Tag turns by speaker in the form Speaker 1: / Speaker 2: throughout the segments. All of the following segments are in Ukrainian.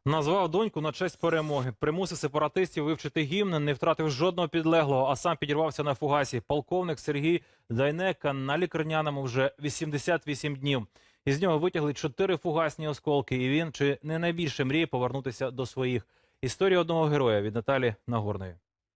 Speaker 1: Назвав доньку на честь перемоги. Примусив сепаратистів вивчити гімн, не втратив жодного підлеглого, а сам підірвався на фугасі. Полковник Сергій Дайнека на лікарняному вже 88 днів. Із нього витягли 4 фугасні осколки, і він чи не найбільше мріє повернутися до своїх. Історія одного героя від Наталі Нагорної.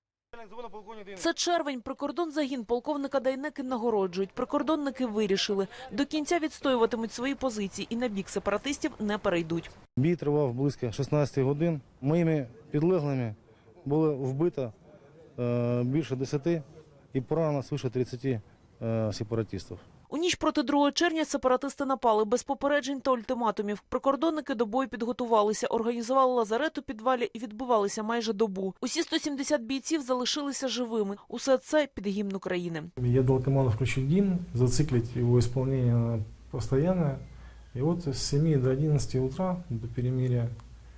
Speaker 2: Це червень. Прикордонзагін полковника Дайнеки нагороджують. Прикордонники вирішили, до кінця відстоюватимуть свої позиції і на бік сепаратистів не перейдуть.
Speaker 3: Бій тривав близько 16 годин. Моїми підлеглими було вбито більше 10 і поранено свише 30 сепаратистів.
Speaker 2: У ніч проти 2 червня сепаратисти напали без попереджень та ультиматумів. Прикордонники до бою підготувалися, організували лазарет у підвалі і відбувалися майже добу. Усі 170 бійців залишилися живими. Усе це під гімн України.
Speaker 4: Я дал команду включить гимн, зациклить его исполнение на постоянное. И вот с 7 до 11 утра, до перемирия,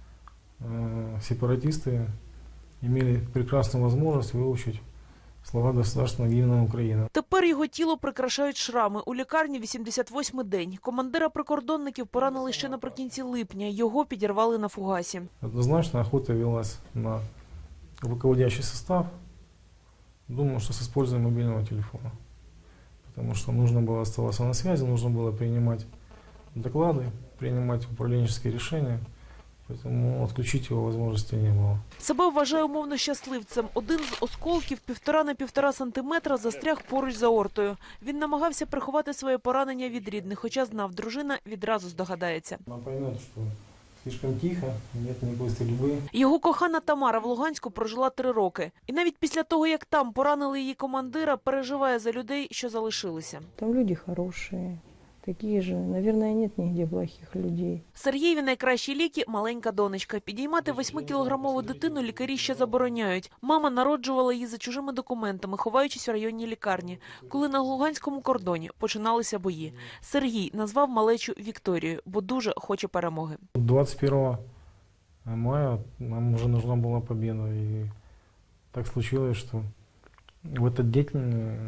Speaker 4: сепаратисты имели прекрасную возможность выучить слова государственного гимна Украины.
Speaker 2: Тепер його тіло прикрашають шрами. У лікарні 88-й день. Командира прикордонників поранили ще наприкінці липня. Його підірвали на фугасі.
Speaker 4: Однозначно охота велась на руководящий состав. Думаю, что с использованием мобильного телефона. Потому что нужно было оставаться на связи, нужно было принимать доклады, принимать управленческие решения. Поэтому отключить его возможности не было.
Speaker 2: Себе вважає умовно щасливцем. Один з осколків 1,5 на 1,5 сантиметра застряг поруч з аортою. Він намагався приховати своє поранення від рідних, хоча знав, дружина відразу здогадається.
Speaker 4: Она поймет, что слишком тихо, нет никакой стрельбы.
Speaker 2: Його кохана Тамара в Луганську прожила 3 роки. І навіть після того, як там поранили її командира, переживає за людей, що залишилися.
Speaker 5: Там люди хорошие, такие же. Наверное, нет нигде плохих людей.
Speaker 2: Сергієві найкращі ліки – маленька донечка. Підіймати 8-кілограмову дитину лікарі ще забороняють. Мама народжувала її за чужими документами, ховаючись в районній лікарні. Коли на Луганському кордоні починалися бої. Сергій назвав малечу Вікторією, бо дуже хоче перемоги.
Speaker 4: 21 мая нам уже нужна была победа. И так случилось, что в этот день,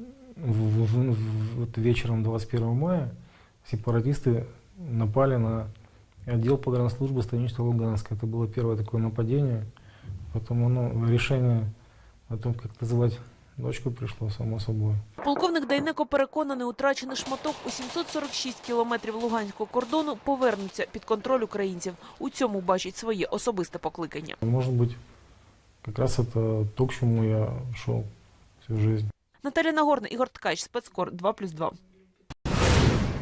Speaker 4: вот вечером 21 мая, сепаратисты напали на отдел погранслужбы станицы Луганска. Это было первое такое нападение. Потом решение о том, как называть дочку, пришло само собой.
Speaker 2: Полковник Дайнеко переконаний, утрачений шматок у 746 кілометрів луганського кордону повернуться під контроль українців. У цьому бачить своє особисте покликання.
Speaker 4: Может быть, как раз это то, к чему я шел всю жизнь.
Speaker 2: Наталя Нагорна, Ігор Ткач, Спецкор 2+2.